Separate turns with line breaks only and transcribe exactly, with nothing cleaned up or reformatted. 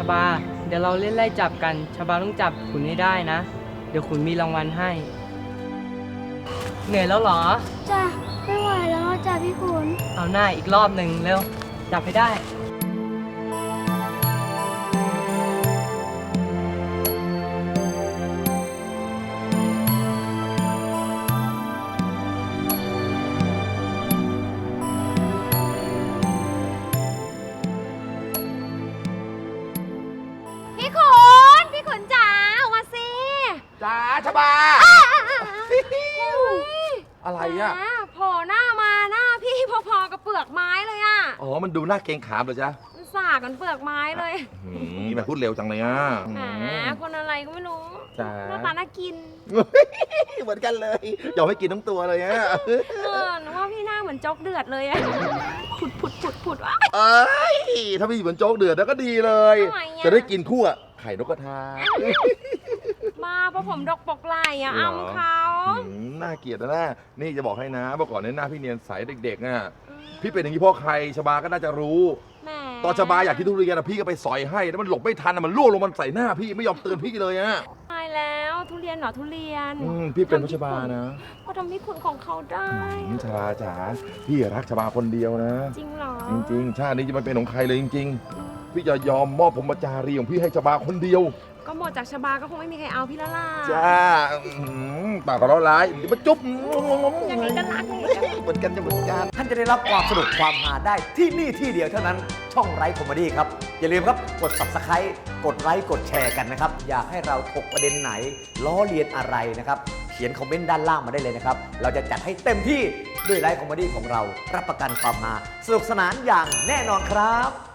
บาเดี๋ยวเราเล่นไล่จับกันชบาต้องจับขุนให้ได้นะ เดี๋ยวขุนมีรางวัลให้ เหนื่อยแล้วเหรอ
จ้ะไม่ไหวแล้วจ้ะพี่ขุน
เอาหน้าอีกรอบหนึ่งเร็ว จับให้ได้
พี่ขุนพี่ขุนจ๋าออกมาสิ
จ้าชบา อะไรอ่ะ
โผล่หน้ามาหน้าพี่พอๆกับเปลือกไม้เลยอ่ะ
อ๋อ มันดูหน้าเกรงขามเหรอจ๊ะ
มันสากกันเปลือกไม้เลย
หืมมันพูดเร็วจังเลยอ่ะ
แหมคนอะไรก็ไม่รู้
จ้า
หน้าตาน่ากิน
เหมือนกันเลยยอมให้กินทั้งตัวเลยอ่ะ
เออหนูว่าพี่หน้าเหมือนโจ๊กเดือดเลยอะผุดผุดผุดผุดวะ
เอ้ย ถ้าพี่เหมือนโจ๊กเดือดแล้วก็ดีเลย
ทำไมอะ
จะได้กินคู่อะไข่นกกระทา
มาเพราะผมดกปกไหลอะอ้ำเขา
หืมน่าเกลียดนะน่านี่จะบอกให้นะเมื่อก่อนเนี่ยหน้าพี่เนียนใสเด็กๆน่ะ พี่เป็นอย่างนี้เพราะใครชบาก็น่าจะรู้
แหม
ตอนชบาอยากกินทุเรียนอะพี่ก็ไปสอยให้แล้วมันหลบไม่ทันอะมันล่วงลงมันใส่หน้าพี่ไม่ยอมเตือนพี่เลยอะ
ตายแล้วทุเรียนเหรอทุเรียน
อืมพี่เป็นเพราะชบานะ
เขาทำพี่ขุนของเขาได้
อืมชบาจ๋าพี่รักชบาคนเดียวนะ
จริงเหรอ
จริงๆ ชาตินี้จะไม่เป็นของใครเลยจริงๆ พี่จะยอมมอบผมจารีของพี่ให้ชบาคนเดียว
ก็หมดจากชบาก็คงไม่มีใครเอาพี่และล่ะ
จ้าอื้อหือปากก็ร้อนร้ายเดี๋ยวมาจุ๊บ
อย่างนี้ก็รักอย่างนี้ก็รัก
เหมือนกันจะเหมือนกัน
ท่านจะได้รับความสนุกความฮาได้ที่นี่ที่เดียวเท่านั้นช่องไร้คอมเมดี้ครับ อย่าลืมครับกด ซับสไครบ์ กดไลค์กดแชร์กันนะครับ อยากให้เราถกประเด็นไหน ล้อเลียนอะไรนะครับ เขียนคอมเมนต์ด้านล่างมาได้เลยนะครับ เราจะจัดให้เต็มที่ด้วยไร้คอมเมดี้ของเรารับประกันความฮาสนุกสนานอย่างแน่นอนครับ